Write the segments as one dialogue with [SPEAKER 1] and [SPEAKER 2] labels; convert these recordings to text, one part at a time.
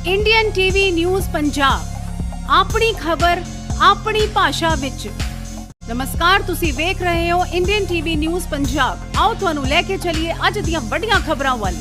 [SPEAKER 1] Indian TV news Punjab ਆਪਣੀ ਖਬਰ ਆਪਣੀ ਭਾਸ਼ਾ ਵਿੱਚ। ਨਮਸਕਾਰ, ਤੁਸੀਂ ਵੇਖ ਰਹੇ ਹੋ ਇੰਡੀਅਨ ਟੀਵੀ ਨਿਊਜ਼ ਪੰਜਾਬ। ਆਓ ਤੁਹਾਨੂੰ ਲੈ ਕੇ ਚੱਲੀਏ ਅੱਜ ਦੀਆਂ ਵੱਡੀਆਂ ਖਬਰਾਂ ਵੱਲ।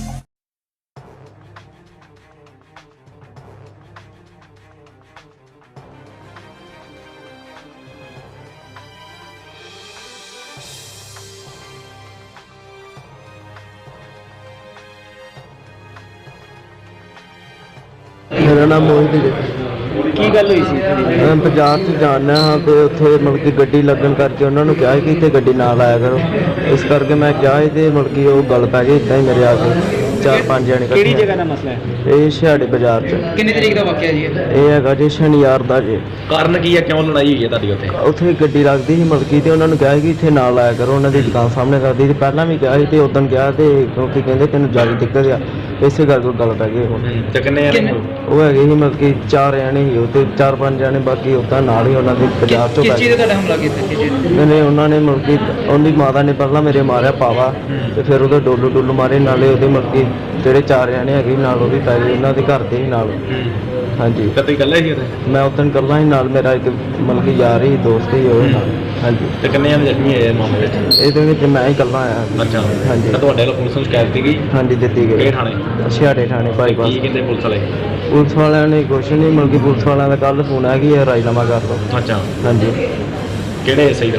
[SPEAKER 2] मेरा नाम मोहित है।
[SPEAKER 3] ਕੀ ਗੱਲ ਹੋਈ ਸੀ?
[SPEAKER 2] मैं बाजार से जाना हाँ तो उत्थे मतलब कि गड्डी लगन करके उन्होंने कहा कि इतने गड्डी ना लाया करो, इस करके मैं क्या तो मतलब कि वो गल पै गई इतना ही मेरे आके 4-5 जने।
[SPEAKER 3] ਕਿਹੜੀ ਜਗ੍ਹਾ ਦਾ ਮਸਲਾ ਹੈ?
[SPEAKER 2] ये ਛਿਹਾੜੇ बाजार च।
[SPEAKER 3] ਕਿੰਨੀ ਤਰੀਕ ਦਾ ਵਾਕਿਆ ਜੀ?
[SPEAKER 2] ਇਹ ਹੈਗਾ ਜੀ ਸ਼ਨੀਵਾਰ ਦਾ ਜੀ।
[SPEAKER 4] ਕਾਰਨ ਕੀ ਹੈ, ਕਿਉਂ ਲੜਾਈ ਹੋਈ ਹੈ ਤੁਹਾਡੀ ਉੱਥੇ?
[SPEAKER 2] ਉੱਥੇ ਗੱਡੀ ਲੱਗਦੀ ਸੀ ਮਲਕੀ ਤੇ ਉਹਨਾਂ ਨੂੰ ਕਿਹਾ ਕਿ ਇੱਥੇ ਨਾ ਲਾਇਆ ਕਰੋ, ਉਹਨਾਂ ਦੀ ਦੁਕਾਨ ਸਾਹਮਣੇ ਕਰਦੀ ਸੀ। ਪਹਿਲਾਂ ਵੀ ਕਿਹਾ ਸੀ ਤੇ ਉਦੋਂ ਕਿਹਾ ਤੇ ਕਿਉਂਕਿ ਕਹਿੰਦੇ ਤੈਨੂੰ ਜ਼ਿਆਦਾ ਦਿੱਕਤ ਆ, ਇਸੇ ਕਰਕੇ ਗੱਲ ਪੈ ਗਈ। ਹੁਣ
[SPEAKER 4] ਤੇ ਕਿੰਨੇ ਜਣੇ?
[SPEAKER 2] ਉਹ ਹੈਗੇ ਸੀ ਮਤਲਬ ਕਿ 4 ਜਣੇ ਸੀ, ਉਹ ਤੇ 4-5 ਜਣੇ ਬਾਕੀ ਉੱਦਾਂ ਨਾਲ ਹੀ ਉਹਨਾਂ ਦੇ ਬਾਜ਼ਾਰ ਚੋਂ
[SPEAKER 3] ਕਿਸ ਚੀਜ਼ ਦਾ ਤੁਹਾਡਾ ਹਮਲਾ ਕੀਤਾ? ਕਿਸ ਚੀਜ਼?
[SPEAKER 2] ਨੇ ਉਹਨਾਂ ਨੇ ਮਤਲਬ ਕਿ ਉਹਦੀ ਮਾਤਾ ਨੇ ਪਹਿਲਾਂ ਮੇਰੇ ਮਾਰਿਆ ਪਾਵਾ ਤੇ ਫਿਰ ਉਹਦੇ ਡੋਲੂ ਮਾਰੇ, ਨਾਲੇ ਉਹਦੇ ਮਤਲਬ ਕਿ ਜਿਹੜੇ 4 ਜਣੇ ਹੈਗੇ ਨਾਲ ਉਹ ਵੀ ਪੈ ਗਏ, ਉਹਨਾਂ ਦੇ ਘਰ ਦੇ ਹੀ ਨਾਲ। ਹਾਂਜੀ,
[SPEAKER 4] ਕਦੇ ਇਕੱਲੇ ਸੀ ਉੱਥੇ?
[SPEAKER 2] ਮੈਂ ਉਦੋਂ ਇਕੱਲਾ ਹੀ, ਨਾਲ ਮੇਰਾ ਇੱਕ ਮਤਲਬ ਕਿ ਯਾਰ ਹੀ ਦੋਸਤ ਹੀ ਉਹ ਨਾਲ। ਹਾਂਜੀ,
[SPEAKER 4] ਤੇ ਕਿੰਨੇ ਜਣੇ ਜ਼ਖਮੀ ਹੋਏ ਇਸ ਮਾਮਲੇ ਵਿੱਚ?
[SPEAKER 2] ਇਹਦੇ ਵਿੱਚ ਮੈਂ ਹੀ ਇਕੱਲਾ ਆਇਆ।
[SPEAKER 4] ਅੱਛਾ,
[SPEAKER 2] ਹਾਂਜੀ।
[SPEAKER 4] ਤਾਂ ਤੁਹਾਡੇ ਵੱਲੋਂ ਪੁਲਿਸ ਨੂੰ ਸ਼ਿਕਾਇਤ ਦਿੱਤੀ ਗਈ?
[SPEAKER 2] ਹਾਂਜੀ, ਦਿੱਤੀ
[SPEAKER 4] ਕਿਹੜੇ
[SPEAKER 2] ਗਈ
[SPEAKER 4] ਥਾਣੇ?
[SPEAKER 2] ਛਿਹਾੜੇ ਥਾਣੇ ਬਾਈਪਾਸ।
[SPEAKER 4] ਕੀ ਕਹਿੰਦੇ ਪੁਲਿਸ ਵਾਲੇ?
[SPEAKER 2] ਪੁਲਿਸ ਵਾਲਿਆਂ ਨੇ ਕੁਛ ਨਹੀਂ, ਮਤਲਬ ਕਿ ਪੁਲਿਸ ਵਾਲਿਆਂ ਦਾ ਕੱਲ੍ਹ ਫੋਨ ਆ ਕਿ ਇਹ ਰਾਜੀਨਾਮਾ ਕਰ ਲਓ।
[SPEAKER 4] ਅੱਛਾ,
[SPEAKER 2] ਹਾਂਜੀ,
[SPEAKER 4] ਕਿਹੜੇ ਸਹੀ ਦਾ?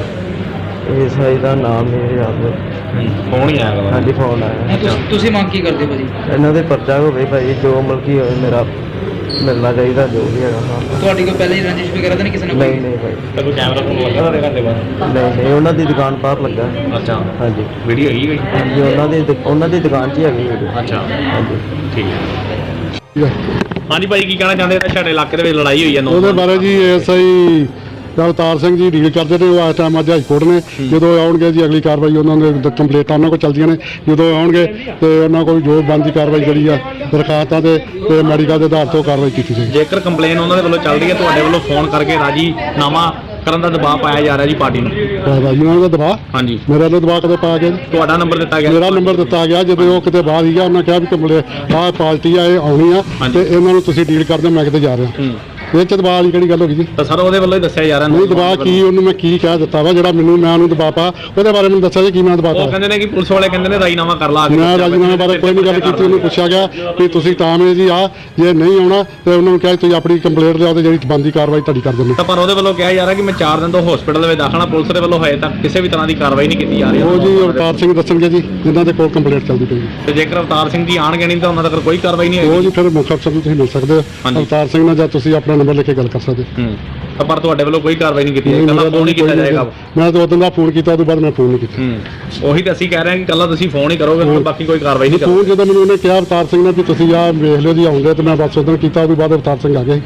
[SPEAKER 2] ਇਹ ਸਾਈ ਦਾ ਨਾਮ ਮੇਰੇ ਯਾਦ।
[SPEAKER 4] ਫੋਨ ਹੀ ਆਇਆ ਵਾ?
[SPEAKER 2] ਹਾਂਜੀ, ਫੋਨ ਆਇਆ।
[SPEAKER 3] ਤੁਸੀਂ ਮੰਗ ਕੀ ਕਰਦੇ ਭਾਜੀ?
[SPEAKER 2] ਇਹਨਾਂ ਦੇ ਪਰਚਾ ਹੋਵੇ ਭਾਈ, ਜੋ ਮਤਲਬ ਕਿ ਹੋਵੇ ਮੇਰਾ ਮਿਲਣਾ ਚਾਹੀਦਾ, ਜੋ ਵੀ ਹੈਗਾ। ਹਾਂ,
[SPEAKER 3] ਤੁਹਾਡੀ ਕੋਈ ਪਹਿਲਾਂ ਹੀ ਰੰਜਿਸ਼ ਵਗੈਰਾ ਤਾਂ ਨਹੀਂ ਕਿਸੇ ਨਾਲ?
[SPEAKER 2] ਨਹੀਂ ਭਾਈ,
[SPEAKER 4] ਤਾਂ ਕੋਈ ਕੈਮਰਾ ਫੋਨ ਲੱਗਾ ਤੁਹਾਡੇ ਘਰ ਦੇ ਬਾਹਰ?
[SPEAKER 2] ਨਹੀਂ ਉਹਨਾਂ ਦੀ ਦੁਕਾਨ ਬਾਹਰ ਲੱਗਾ।
[SPEAKER 4] ਅੱਛਾ,
[SPEAKER 2] ਹਾਂਜੀ
[SPEAKER 4] ਵੀਡੀਓ ਹੈਗੀ ਕੋਈ?
[SPEAKER 2] ਹਾਂਜੀ, ਉਹਨਾਂ ਦੀ ਦੁਕਾਨ 'ਚ ਹੀ ਹੈਗੀ ਵੀਡੀਓ।
[SPEAKER 4] ਅੱਛਾ,
[SPEAKER 2] ਹਾਂਜੀ,
[SPEAKER 4] ਠੀਕ ਹੈ। ਹਾਂਜੀ ਭਾਈ, ਕੀ ਕਹਿਣਾ ਚਾਹੁੰਦੇ? ਸਾਡੇ ਇਲਾਕੇ ਦੇ ਵਿੱਚ ਲੜਾਈ ਹੋਈ ਹੈ
[SPEAKER 5] ਉਹਦੇ ਬਾਰੇ ਜੀ ਐਸਆਈ ਅਵਤਾਰ ਸਿੰਘ ਜੀ ਡੀਲ ਕਰਦੇ ਨੇ, ਉਹ ਇਸ ਟਾਈਮ ਅੱਜ ਹਾਈਕੋਰਟ ਨੇ। ਜਦੋਂ ਆਉਣਗੇ ਜੀ ਅਗਲੀ ਕਾਰਵਾਈ ਉਹਨਾਂ ਦੇ ਕੰਪਲੇਂਟਾਂ ਉਹਨਾਂ ਕੋਲ ਚੱਲਦੀਆਂ ਨੇ, ਜਦੋਂ ਆਉਣਗੇ ਤੇ ਉਹਨਾਂ ਕੋਲ ਜੋ ਬਣਦੀ ਕਾਰਵਾਈ ਜਿਹੜੀ ਆ ਦਰਖਾਸਤਾਂ ਤੇ ਮੈਡੀਕਲ ਦੇ ਆਧਾਰ ਤੋਂ ਕਾਰਵਾਈ ਕੀਤੀ ਜਾਏਗੀ।
[SPEAKER 4] ਜੇਕਰ ਕੰਪਲੇਨ ਉਹਨਾਂ ਦੇ ਵੱਲੋਂ ਚੱਲ ਰਹੀ ਹੈ, ਤੁਹਾਡੇ ਵੱਲੋਂ ਫੋਨ ਕਰਕੇ ਰਾਜੀਨਾਮਾ ਕਰਨ ਦਾ ਦਬਾਅ ਪਾਇਆ ਜਾ ਰਿਹਾ ਜੀ ਪਾਰਟੀ ਨੂੰ?
[SPEAKER 5] ਰਾਜੀਨਾਮੇ ਦਾ ਦਬਾਅ?
[SPEAKER 4] ਹਾਂਜੀ।
[SPEAKER 5] ਮੇਰੇ ਵੱਲੋਂ ਦਬਾਅ ਕਦੇ ਪਾਇਆ ਗਿਆ ਜੀ?
[SPEAKER 4] ਤੁਹਾਡਾ ਨੰਬਰ ਦਿੱਤਾ ਗਿਆ?
[SPEAKER 5] ਮੇਰਾ ਨੰਬਰ ਦਿੱਤਾ ਗਿਆ ਜਦੋਂ ਉਹ ਕਿਤੇ ਬਾਹਰ ਸੀਗਾ, ਉਹਨਾਂ ਕਿਹਾ ਵੀ ਕੰਪਲੇਂਟ ਆਹ ਪਾਰਟੀ ਆ, ਇਹ ਆਉਣੀ ਆ ਤੇ ਇਹਨਾਂ ਨੂੰ ਤੁਸੀਂ ਡੀਲ ਕਰਦੇ, ਮੈਂ ਕਿਤੇ ਜਾ ਰਿਹਾ। ਇਹ 'ਚ ਦਬਾਅ ਵਾਲੀ ਕਿਹੜੀ ਗੱਲ ਹੋ ਗਈ ਜੀ?
[SPEAKER 4] ਤਾਂ ਸਰ ਉਹਦੇ ਵੱਲੋਂ ਹੀ ਦੱਸਿਆ ਜਾ ਰਿਹਾ।
[SPEAKER 5] ਨਹੀਂ ਦਬਾਅ ਕੀ, ਉਹਨੂੰ ਮੈਂ ਕੀ ਕਹਿ ਦਿੱਤਾ ਵਾ ਜਿਹੜਾ ਮੈਂ ਉਹਨੂੰ ਦਬਾਅ ਪਾ, ਉਹਦੇ ਬਾਰੇ ਮੈਨੂੰ ਦੱਸਿਆ ਜੀ ਕੀ ਮੈਂ ਦਬਾਅ
[SPEAKER 4] ਉਹ
[SPEAKER 5] ਪਾ?
[SPEAKER 4] ਕਹਿੰਦੇ ਨੇ ਕਿ ਪੁਲਿਸ ਵਾਲੇ ਕਹਿੰਦੇ ਨੇ ਰਾਜੀਨਾਮਾ ਕਰ ਲਾ।
[SPEAKER 5] ਮੈਂ ਰਾਜੀਨਾਮੇ ਬਾਰੇ ਕੋਈ ਨਹੀਂ ਗੱਲ ਕੀਤੀ। ਉਹਨੂੰ ਪੁੱਛਿਆ ਗਿਆ ਕਿ ਤੁਸੀਂ ਤਾਂ ਮੇਰੇ ਜੀ ਆ, ਜੇ ਨਹੀਂ ਆਉਣਾ ਤੇ ਉਹਨਾਂ ਨੂੰ ਕਿਹਾ ਤੁਸੀਂ ਆਪਣੀ ਕੰਪਲੇਂਟ ਲਿਆਓ ਤੇ ਜਿਹੜੀ ਬਣਦੀ ਕਾਰਵਾਈ ਤੁਹਾਡੀ ਕਰ ਦਿੰਦੇ।
[SPEAKER 4] ਤਾਂ ਪਰ ਉਹਦੇ ਵੱਲੋਂ ਕਿਹਾ ਜਾ ਰਿਹਾ ਕਿ ਮੈਂ 4 ਦਿਨ ਤੋਂ ਹਸਪੀਟਲ ਦੇ ਵਿੱਚ ਦਾਖਲ ਹਾਂ, ਪੁਲਿਸ ਦੇ ਵੱਲੋਂ ਹਜੇ ਤੱਕ ਕਿਸੇ ਵੀ ਤਰ੍ਹਾਂ ਦੀ ਕਾਰਵਾਈ ਨਹੀਂ ਕੀਤੀ ਜਾ ਰਹੀ।
[SPEAKER 5] ਉਹ ਜੀ ਅਵਤਾਰ ਸਿੰਘ ਦੱਸਣਗੇ ਜੀ, ਜਿਨ੍ਹਾਂ ਦੇ ਕੋਲ ਕੰਪਲੇਂਟ ਚੱਲਦੀ ਪਈ।
[SPEAKER 4] ਤੇ ਜੇਕਰ ਅਵਤਾਰ ਸਿੰਘ ਜੀ ਆਣਗੇ ਨਹੀਂ ਤਾਂ ਉਹਨਾਂ ਤੱਕ ਕੋਈ ਕਾਰਵਾਈ ਨਹੀਂ
[SPEAKER 5] ਉਹ
[SPEAKER 4] ਹੋਏਗੀ?
[SPEAKER 5] ਜੀ ਫਿਰ ਮੁੱਖ ਅਫਸਰ ਨੂੰ ਤੁਸੀਂ ਮਿਲ ਸਕਦੇ ਹੋ ਅਵਤਾਰ ਸਿੰਘ ਨਾਲ, ਜਾਂ ਤੁਸੀਂ ਆਪਣਾ ਨੰਬਰ ਲਿਖ ਕੇ ਗੱਲ ਕਰ ਸਕਦੇ
[SPEAKER 4] ਤਾਂ ਪਰ ਤੁਹਾਡੇ ਵੱਲੋਂ ਕੋਈ ਕਾਰਵਾਈ ਨਹੀਂ ਕੀਤੀ ਜਾਏਗੀ? ਕੱਲਾ ਫੋਨ ਹੀ ਕੀਤਾ ਜਾਏਗਾ?
[SPEAKER 5] ਮੈਂ ਤਾਂ ਉਦੋਂ ਦਾ ਫੋਨ ਕੀਤਾ, ਉਹ ਤੋਂ ਬਾਅਦ ਮੈਂ ਫੋਨ ਨਹੀਂ ਕੀਤਾ।
[SPEAKER 4] ਉਹੀ ਤਾਂ ਅਸੀਂ ਕਹਿ ਰਹੇ ਹਾਂ ਕਿ ਕੱਲਾ ਤੁਸੀਂ ਫੋਨ ਹੀ ਕਰੋਗੇ, ਹੋਰ ਬਾਕੀ ਕੋਈ ਕਾਰਵਾਈ ਨਹੀਂ ਕਰੋਗੇ।
[SPEAKER 5] ਫੋਨ ਜਦੋਂ ਮੈਨੂੰ ਉਹਨੇ ਕਿਹਾ ਅਵਤਾਰ ਸਿੰਘ ਨੇ ਵੀ ਤੁਸੀਂ ਆ ਵੇਖ ਲਿਓ ਜੀ ਆਉਂਦੇ, ਤੇ ਮੈਂ ਬਸ ਉਦੋਂ ਕੀਤਾ, ਉਹ ਤੋਂ ਬਾਅਦ ਅਵਤਾਰ ਸਿੰਘ ਆ ਗਏ।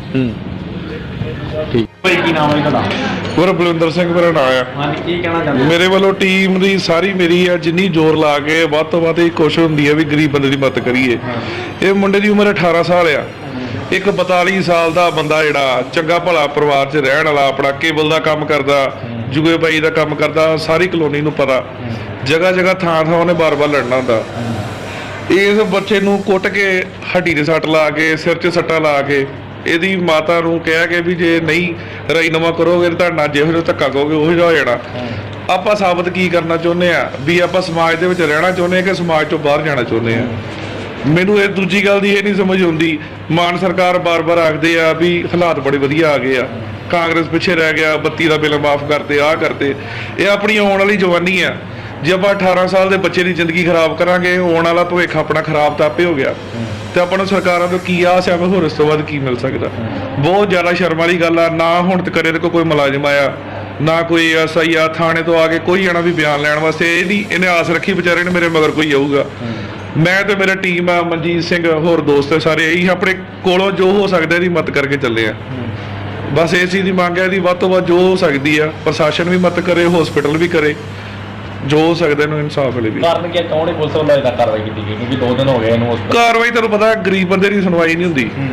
[SPEAKER 4] ਠੀਕ ਭਾਈ, ਕੀ ਨਾਮ ਹੈ ਤੁਹਾਡਾ?
[SPEAKER 6] ਮੇਰਾ ਬਲਵਿੰਦਰ ਸਿੰਘ ਮੇਰਾ ਨਾਂ ਆ।
[SPEAKER 4] ਹਾਂਜੀ, ਕੀ ਕਹਿਣਾ ਚਾਹੁੰਦੇ?
[SPEAKER 6] ਮੇਰੇ ਵੱਲੋਂ ਟੀਮ ਦੀ ਸਾਰੀ ਮੇਰੀ ਆ, ਜਿੰਨੀ ਜ਼ੋਰ ਲਾ ਕੇ ਵੱਧ ਤੋਂ ਵੱਧ ਇਹ ਕੋਸ਼ਿਸ਼ ਹੁੰਦੀ ਹੈ ਵੀ ਗਰੀਬ ਬੰਦੇ ਦੀ ਮਦਦ ਕਰੀਏ। ਇਹ ਮੁੰਡੇ ਦੀ ਉਮਰ 18 ਸਾਲ ਆ। ਇੱਕ 42 ਸਾਲ ਦਾ ਬੰਦਾ ਜਿਹੜਾ ਚੰਗਾ ਭਲਾ ਪਰਿਵਾਰ 'ਚ ਰਹਿਣ ਵਾਲਾ, ਆਪਣਾ ਕੇਬਲ ਦਾ ਕੰਮ ਕਰਦਾ, ਜੁਗੇ ਬਾਈ ਦਾ ਕੰਮ ਕਰਦਾ, ਸਾਰੀ ਕਲੋਨੀ ਨੂੰ ਪਤਾ, ਜਗ੍ਹਾ ਜਗ੍ਹਾ ਥਾਂ ਉਹਨੇ ਬਾਰ-ਬਾਰ ਲੜਨਾ ਹੁੰਦਾ। ਇਸ ਬੱਚੇ ਨੂੰ ਕੁੱਟ ਕੇ ਹੱਡੀ ਦੇ ਸੱਟ ਲਾ ਕੇ, ਸਿਰ 'ਚ ਸੱਟਾਂ ਲਾ ਕੇ, ਇਹਦੀ ਮਾਤਾ ਨੂੰ ਕਿਹਾ ਕਿ ਵੀ ਜੇ ਨਹੀਂ ਰਾਜੀਨਾਮਾ ਕਰੋਗੇ ਤਾਂ ਤੁਹਾਡਾ ਜਿਹੋ ਜਿਹਾ ਧੱਕਾ ਕਹੋਗੇ ਉਹੋ ਜਿਹਾ ਹੋ ਜਾਣਾ। ਆਪਾਂ ਸਾਬਤ ਕੀ ਕਰਨਾ ਚਾਹੁੰਦੇ ਆ ਵੀ ਆਪਾਂ ਸਮਾਜ ਦੇ ਵਿੱਚ ਰਹਿਣਾ ਚਾਹੁੰਦੇ ਆ ਕਿ ਸਮਾਜ ਤੋਂ ਬਾਹਰ ਜਾਣਾ ਚਾਹੁੰਦੇ ਆ। ਮੈਨੂੰ ਇਹ ਦੂਜੀ ਗੱਲ ਦੀ ਇਹ ਨਹੀਂ ਸਮਝ ਆਉਂਦੀ, ਮਾਨ ਸਰਕਾਰ ਬਾਰ-ਬਾਰ ਆਖਦੇ ਆ ਵੀ ਹਾਲਾਤ ਬੜੇ ਵਧੀਆ ਆ ਗਏ ਆ, ਕਾਂਗਰਸ ਪਿੱਛੇ ਰਹਿ ਗਿਆ, 32 ਦਾ ਬਿੱਲ ਮਾਫ ਕਰਤੇ, ਆਹ ਕਰਤੇ। ਇਹ ਆਪਣੀ ਆਉਣ ਵਾਲੀ ਜਵਾਨੀ ਆ। ਜੇ ਆਪਾਂ 18 ਸਾਲ ਦੇ ਬੱਚੇ ਦੀ ਜ਼ਿੰਦਗੀ ਖਰਾਬ ਕਰਾਂਗੇ, ਆਉਣ ਵਾਲਾ ਭਵਿੱਖ ਆਪਣਾ ਖਰਾਬ ਤਾਂ ਆਪੇ ਹੋ ਗਿਆ। ਤੇ ਆਪਾਂ ਨੂੰ ਸਰਕਾਰਾਂ ਤੋਂ ਕੀ ਆਸ ਆ, ਹੋਰ ਇਸ ਤੋਂ ਬਾਅਦ ਕੀ ਮਿਲ ਸਕਦਾ? ਬਹੁਤ ਜ਼ਿਆਦਾ ਸ਼ਰਮ ਵਾਲੀ ਗੱਲ ਆ। ਨਾ ਹੁਣ ਤੱਕ ਇਹਦੇ ਕੋਲ ਕੋਈ ਮੁਲਾਜ਼ਮ ਆਇਆ, ਨਾ ਕੋਈ ਐਸਆਈ ਆ ਥਾਣੇ ਤੋਂ ਆ ਕੇ ਕੋਈ ਜਾਣਾ ਵੀ ਬਿਆਨ ਲੈਣ ਵਾਸਤੇ। ਇਹਨੇ ਆਸ ਰੱਖੀ ਵਿਚਾਰੇ ਨੇ ਮੇਰੇ ਮਗਰ ਕੋਈ ਆਊਗਾ। ਮੈਂ ਤੇ ਮੇਰਾ ਟੀਮ ਆ, ਮਨਜੀਤ ਸਿੰਘ ਹੋਰ ਦੋਸਤ ਸਾਰੇ ਇਹੀ ਆਪਣੇ ਕੋਲੋਂ ਜੋ ਹੋ ਸਕਦਾ ਇਹਦੀ ਮਦਦ ਕਰਕੇ ਚੱਲੇ ਆ। ਬਸ ਇਸ ਚੀਜ਼ ਦੀ ਮੰਗ ਹੈ, ਇਹਦੀ ਵੱਧ ਤੋਂ ਵੱਧ ਜੋ ਹੋ ਸਕਦੀ ਆ ਪ੍ਰਸ਼ਾਸਨ ਵੀ ਮਦਦ ਕਰੇ, ਹਸਪੀਟਲ ਵੀ ਕਰੇ, ਜੋ ਹੋ ਸਕਦਾ ਇਹਨੂੰ ਇਨਸਾਫ ਮਿਲੇ ਵੀ।
[SPEAKER 4] ਕਾਰਨ ਕੀ ਕੌਣ ਪੁਲਿਸ ਵੱਲੋਂ ਇਹਦਾ ਕਾਰਵਾਈ ਕੀਤੀ ਗਈ? ਕਿਉਂਕਿ 2 ਦਿਨ ਹੋ ਗਏ ਇਹਨੂੰ
[SPEAKER 6] ਕਾਰਵਾਈ ਤੁਹਾਨੂੰ ਪਤਾ ਗਰੀਬ ਬੰਦੇ ਦੀ ਸੁਣਵਾਈ ਨਹੀਂ ਹੁੰਦੀ।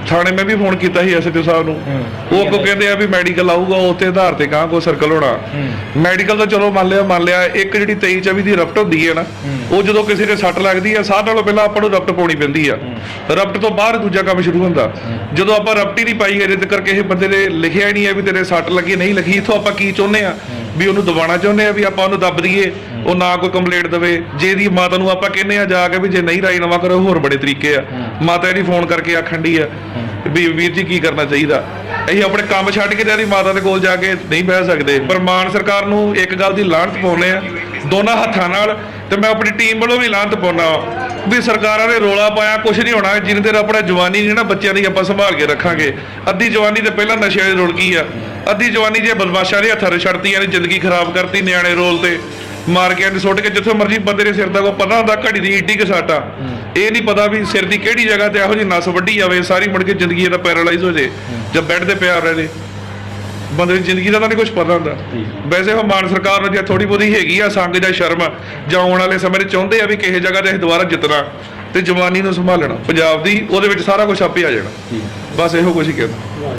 [SPEAKER 6] ਥਾਣੇ ਮੈਂ ਵੀ ਫੋਨ ਕੀਤਾ ਸੀ ਐਸਐਚਓ ਸਾਹਿਬ ਨੂੰ। ਉਹ ਅੱਗੋਂ ਕਹਿੰਦੇ ਆ ਵੀ ਮੈਡੀਕਲ ਆਊਗਾ ਉੱਤੇ ਆਧਾਰ ਤੇ ਕਹਾਂ ਕੋਈ ਸਰਕਲ ਹੋਣਾ। ਮੈਡੀਕਲ ਤਾਂ ਚਲੋ ਮੰਨ ਲਿਆ ਇੱਕ ਜਿਹੜੀ 23-24 ਦੀ ਰਫਟ ਹੁੰਦੀ ਹੈ ਨਾ, ਉਹ ਜਦੋਂ ਕਿਸੇ ਦੇ ਸੱਟ ਲੱਗਦੀ ਆ ਸਾਹ ਨਾਲੋਂ ਪਹਿਲਾਂ ਆਪਾਂ ਨੂੰ ਰਫਟ ਪਾਉਣੀ ਪੈਂਦੀ ਆ। ਰਫਟ ਤੋਂ ਬਾਅਦ ਦੂਜਾ ਕੰਮ ਸ਼ੁਰੂ ਹੁੰਦਾ। ਜਦੋਂ ਆਪਾਂ ਰਫਟ ਹੀ ਨਹੀਂ ਪਾਈ ਅਜੇ ਤੱਕ ਕਿਸੇ ਬੰਦੇ ਨੇ ਲਿਖਿਆ ਹੀ ਨਹੀਂ ਹੈ ਵੀ ਤੇਰੇ ਸੱਟ ਲੱਗੀ ਨਹੀਂ ਲੱਗੀ, ਇੱਥੋਂ ਆਪਾਂ ਕੀ ਚਾਹੁੰਦੇ ਆ ਵੀ ਉਹਨੂੰ ਦਬਾਉਣਾ ਚਾਹੁੰਦੇ ਆ ਵੀ ਆਪਾਂ ਉਹਨੂੰ ਦੱਬ ਦਈਏ, ਉਹ ਨਾ ਕੋਈ ਕੰਪਲੇਂਟ ਦੇਵੇ। ਜੇ ਇਹਦੀ ਮਾਤਾ ਨੂੰ ਆਪਾਂ ਕਹਿੰਦੇ ਆ ਜਾ ਕੇ ਵੀ ਜੇ ਨਹੀਂ ਰਾਜੀਨਾਮਾ ਕਰੋ, ਹੋਰ ਬੜੇ ਤਰੀਕੇ ਆ। ਮਾਤਾ ਇਹਦੀ ਫੋਨ ਕਰਕੇ ਆਖਣ ਡਈ ਆ ਵੀ ਵੀਰ ਜੀ ਕੀ ਕਰਨਾ ਚਾਹੀਦਾ। ਅਸੀਂ ਆਪਣੇ ਕੰਮ ਛੱਡ ਕੇ ਤੇ ਇਹਦੀ ਮਾਤਾ ਦੇ ਕੋਲ ਜਾ ਕੇ ਨਹੀਂ ਬਹਿ ਸਕਦੇ। ਪਰ ਮਾਨ ਸਰਕਾਰ ਨੂੰ ਇੱਕ ਗੱਲ ਦੀ ਲਾਹਨਤ ਪਾਉਂਦੇ ਆ ਦੋਨਾਂ ਹੱਥਾਂ ਨਾਲ, ਤੇ ਮੈਂ ਆਪਣੀ ਟੀਮ ਵੱਲੋਂ ਵੀ ਲਾਹਨਤ ਪਾਉਣਾ ਵੀ ਸਰਕਾਰਾਂ ਨੇ ਰੋਲਾ ਪਾਇਆ ਕੁਝ ਨਹੀਂ ਹੋਣਾ ਜਿੰਨੇ ਦੇਰ ਆਪਣਾ ਜਵਾਨੀ ਨਹੀਂ ਨਾ ਬੱਚਿਆਂ ਦੀ ਆਪਾਂ ਸੰਭਾਲ ਕੇ ਰੱਖਾਂਗੇ। ਅੱਧੀ ਜਵਾਨੀ ਤੇ ਪਹਿਲਾਂ ਨਸ਼ਿਆਂ ਦੀ ਰੁੜ ਗਈ ਆ, ਅੱਧੀ ਜਵਾਨੀ ਜੇ ਬਦਮਾਸ਼ਾਂ ਦੇ ਹੱਥਾਂ 'ਚ ਛੱਡਤੀਆਂ ਨੇ, ਜ਼ਿੰਦਗੀ ਖਰਾਬ ਕਰਤੀ, ਨਿਆਣੇ ਰੋਲ ਤੇ ਮਾਰ ਕੇ ਸੁੱਟ ਕੇ ਜਿੱਥੇ ਮਰਜ਼ੀ ਬੰਦੇ ਦੇ ਸਿਰ ਦਾ ਕੋਈ ਪਤਾ ਹੁੰਦਾ ਘੜੀ ਦੀ ਈਡੀ ਕਿ ਸਾਟਾ, ਇਹ ਨਹੀਂ ਪਤਾ ਵੀ ਸਿਰ ਦੀ ਕਿਹੜੀ ਜਗ੍ਹਾ ਤੇ ਇਹੋ ਜਿਹੀ ਨਸ ਵੱਢੀ ਜਾਵੇ ਸਾਰੀ ਮੁੜ ਕੇ ਜ਼ਿੰਦਗੀ ਇਹਦਾ ਪੈਰਾਲਾਈਜ਼ ਹੋ ਜੇ ਜਾਂ ਬੈੱਡ ਤੇ ਪਿਆ ਰਹੇ ਬੰਦੇ ਦੀ ਜ਼ਿੰਦਗੀ ਦਾ ਤਾਂ ਨਹੀਂ ਕੁਝ ਪਤਾ ਹੁੰਦਾ। ਵੈਸੇ ਉਹ ਮਾਨ ਸਰਕਾਰ ਨੂੰ ਜੇ ਥੋੜੀ ਬਹੁਤੀ ਹੈਗੀ ਆ ਸੰਗ ਜਾਂ ਸ਼ਰਮ ਜਾਂ ਆਉਣ ਵਾਲੇ ਸਮੇਂ 'ਚ ਚਾਹੁੰਦੇ ਆ ਵੀ ਕਿਸੇ ਜਗ੍ਹਾ ਤੇ ਅਸੀਂ ਦੁਬਾਰਾ ਜਿੱਤਣਾ ਤੇ ਜਵਾਨੀ ਨੂੰ ਸੰਭਾਲਣਾ ਪੰਜਾਬ ਦੀ, ਉਹਦੇ ਵਿੱਚ ਸਾਰਾ ਕੁਝ ਆਪੇ ਆ ਜਾਣਾ। ਬਸ ਇਹੋ ਕੁਝ ਹੀ ਕਹਿੰਦਾ।